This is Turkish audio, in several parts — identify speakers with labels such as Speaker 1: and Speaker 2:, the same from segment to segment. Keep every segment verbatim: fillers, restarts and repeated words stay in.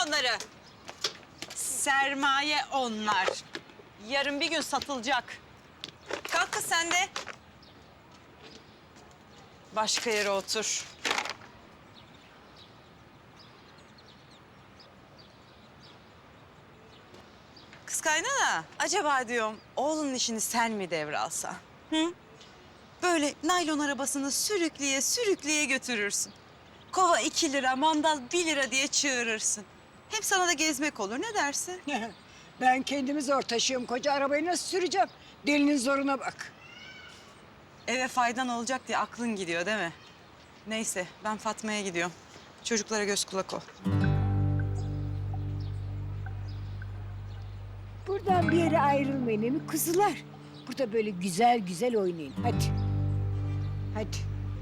Speaker 1: onları. Sermaye onlar. Yarın bir gün satılacak. Kalk kız sen de. Başka yere otur. Kız kaynana, acaba diyorum oğlunun işini sen mi devralsan? Hı? Böyle naylon arabasını sürükleye sürükleye götürürsün. Kova iki lira, mandal bir lira diye çığırırsın. Hem sana da gezmek olur, ne dersin?
Speaker 2: Ben kendimi zor taşıyorum. Koca arabayı nasıl süreceğim? Delinin zoruna bak.
Speaker 1: Eve faydan olacak diye aklın gidiyor değil mi? Neyse, ben Fatma'ya gidiyorum. Çocuklara göz kulak ol.
Speaker 2: Buradan bir yere ayrılmayın değil mi kuzular? Burada böyle güzel güzel oynayın. Hadi. Hadi.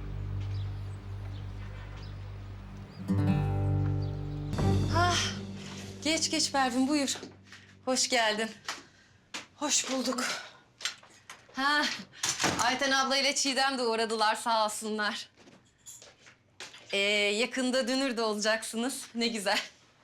Speaker 3: Ah, geç geç Pervin buyur. Hoş geldin.
Speaker 1: Hoş bulduk.
Speaker 3: Ha, Ayten abla ile Çiğdem de uğradılar sağ olsunlar. Ee, yakında dünür de olacaksınız. Ne güzel.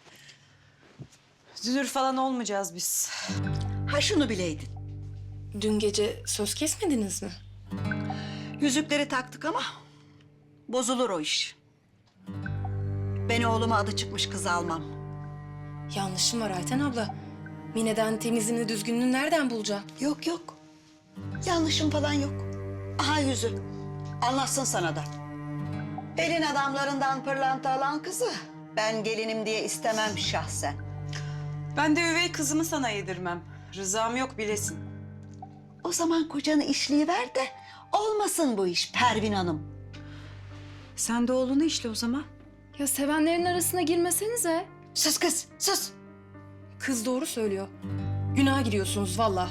Speaker 1: Dünür falan olmayacağız biz.
Speaker 4: Ha şunu bileydin.
Speaker 3: Dün gece söz kesmediniz mi?
Speaker 4: Yüzükleri taktık ama bozulur o iş. Ben oğluma adı çıkmış kız almam.
Speaker 3: Yanlışım var Ayten abla. Mine'den temizliğini düzgünlüğünü nereden bulacağım?
Speaker 4: Yok yok. Yanlışım falan yok. Aha yüzü. Anlatsın sana da. Elin adamlarından pırlanta alan kızı ben gelinim diye istemem şahsen.
Speaker 1: Ben de üvey kızımı sana yedirmem. Rızam yok bilesin.
Speaker 4: O zaman kocanı işleyiver de olmasın bu iş Pervin Hanım.
Speaker 1: Sen de oğlunu işle o zaman.
Speaker 5: Ya sevenlerin arasına girmesenize.
Speaker 4: Sus kız sus.
Speaker 3: Kız doğru söylüyor. Günaha giriyorsunuz vallahi.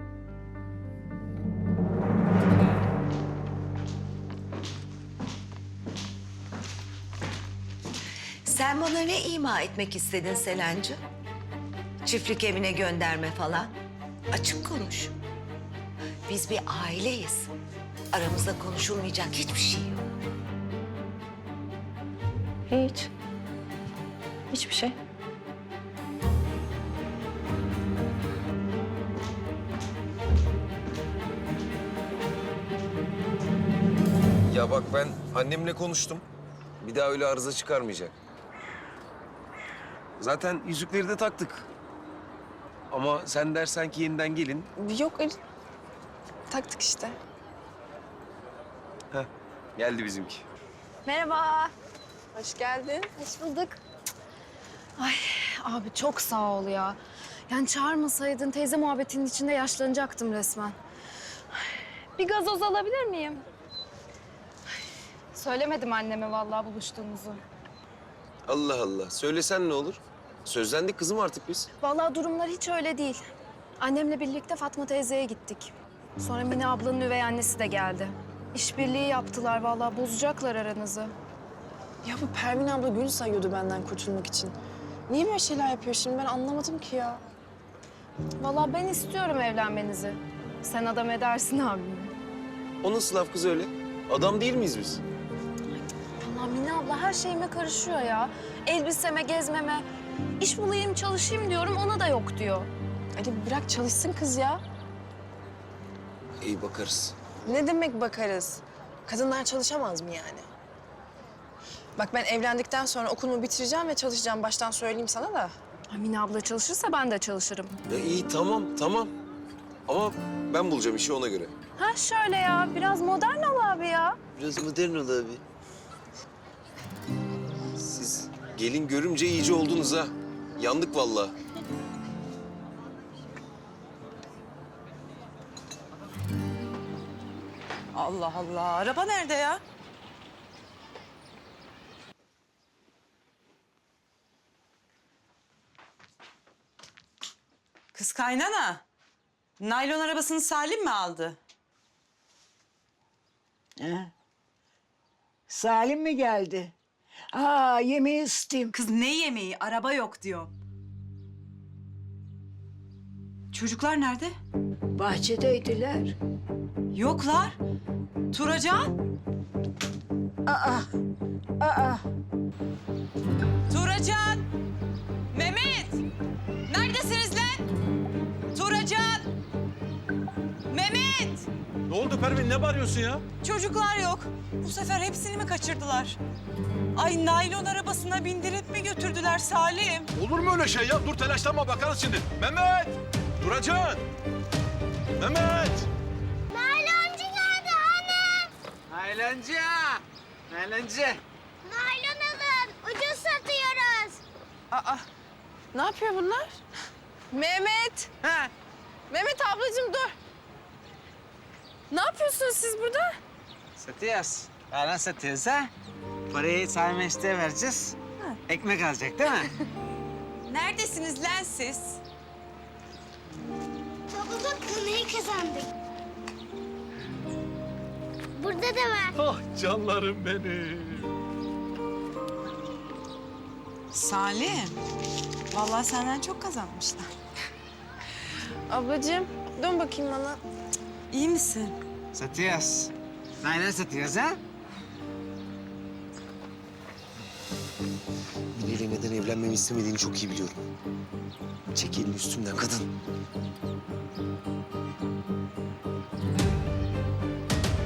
Speaker 6: Sen bana ne ima etmek istedin Selenci? Çiftlik evine gönderme falan. Açık konuş. Biz bir aileyiz. Aramızda konuşulmayacak hiçbir şey yok.
Speaker 5: Hiç. Hiçbir şey.
Speaker 7: Ya bak ben annemle konuştum. Bir daha öyle arıza çıkarmayacak. Zaten yüzükleri de taktık. Ama sen dersen ki yeniden gelin.
Speaker 5: Yok öyle. Taktık işte.
Speaker 7: Heh, geldi bizimki.
Speaker 5: Merhaba. Hoş geldin. Hoş bulduk. Ay abi çok sağ ol ya. Yani çağırmasaydın teyze muhabbetinin içinde yaşlanacaktım resmen. Ay, bir gazoz alabilir miyim? Ay, söylemedim anneme vallahi buluştuğumuzu.
Speaker 7: Allah Allah. Söylesen ne olur? Sözlendik kızım artık biz.
Speaker 5: Vallahi durumlar hiç öyle değil. Annemle birlikte Fatma teyzeye gittik. Sonra Mine ablanın üvey annesi de geldi. İşbirliği yaptılar vallahi bozacaklar aranızı.
Speaker 8: Ya bu Pervin abla gün sayıyordu benden kurtulmak için. Niye böyle şeyler yapıyor şimdi ben anlamadım ki ya.
Speaker 5: Vallahi ben istiyorum evlenmenizi. Sen adam edersin abimi.
Speaker 7: O nasıl laf kız öyle? Adam değil miyiz biz?
Speaker 5: Vallahi Mine abla her şeyime karışıyor ya. Elbiseme, gezmeme. İş bulayım, çalışayım diyorum ona da yok diyor.
Speaker 8: Ali bırak çalışsın kız ya.
Speaker 7: İyi bakarız.
Speaker 8: Ne demek bakarız? Kadınlar çalışamaz mı yani? Bak ben evlendikten sonra okulumu bitireceğim ve çalışacağım. Baştan söyleyeyim sana da.
Speaker 5: Ay, Mine abla çalışırsa ben de çalışırım.
Speaker 7: Ya iyi tamam tamam. Ama ben bulacağım işi ona göre.
Speaker 5: Ha şöyle ya, biraz modern ol abi ya.
Speaker 7: Biraz modern ol abi. Siz gelin görümce iyice oldunuz ha. Yandık vallahi.
Speaker 1: Allah Allah, araba nerede ya? Kız kaynana, naylon arabasını Salim mi aldı?
Speaker 2: Ha? Salim mi geldi? Aa yemeği ısıtayım.
Speaker 1: Kız ne yemeği, araba yok diyor. Çocuklar nerede?
Speaker 2: Bahçedeydiler.
Speaker 1: Yoklar. Turacan,
Speaker 2: Aa, aa.
Speaker 1: Turacan.
Speaker 9: oldu Pervin? Ne bağırıyorsun ya?
Speaker 1: Çocuklar yok. Bu sefer hepsini mi kaçırdılar? Ay naylon arabasına bindirip mi götürdüler Salim?
Speaker 9: Olur mu öyle şey ya? Dur telaşlanma, bakarız şimdi. Mehmet! Duracaksın! Mehmet!
Speaker 10: Nayloncu geldi hanım.
Speaker 11: Nayloncu! Nayloncu!
Speaker 10: Naylon alın. Ucuz satıyoruz.
Speaker 8: Aa, ne yapıyor bunlar? Mehmet!
Speaker 11: Ha,
Speaker 8: Mehmet ablacığım dur. Ne yapıyorsunuz siz burada?
Speaker 11: satıyoruz. Yalan satıyoruz ha. Parayı Salim Enişte'ye vereceğiz. Ekmek alacak değil mi?
Speaker 1: Neredesiniz lan siz?
Speaker 10: Baba bak kınayı kazandık. Burada da var.
Speaker 9: Ah canlarım benim.
Speaker 1: Salim. Vallahi senden çok kazanmışlar.
Speaker 8: Ablacığım dön bakayım bana.
Speaker 1: İyi misin?
Speaker 11: Satıyoruz. Naylon satıyoruz ha.
Speaker 7: Mine'yle neden evlenmemi istemediğini çok iyi biliyorum. Çek elini üstümden kadın.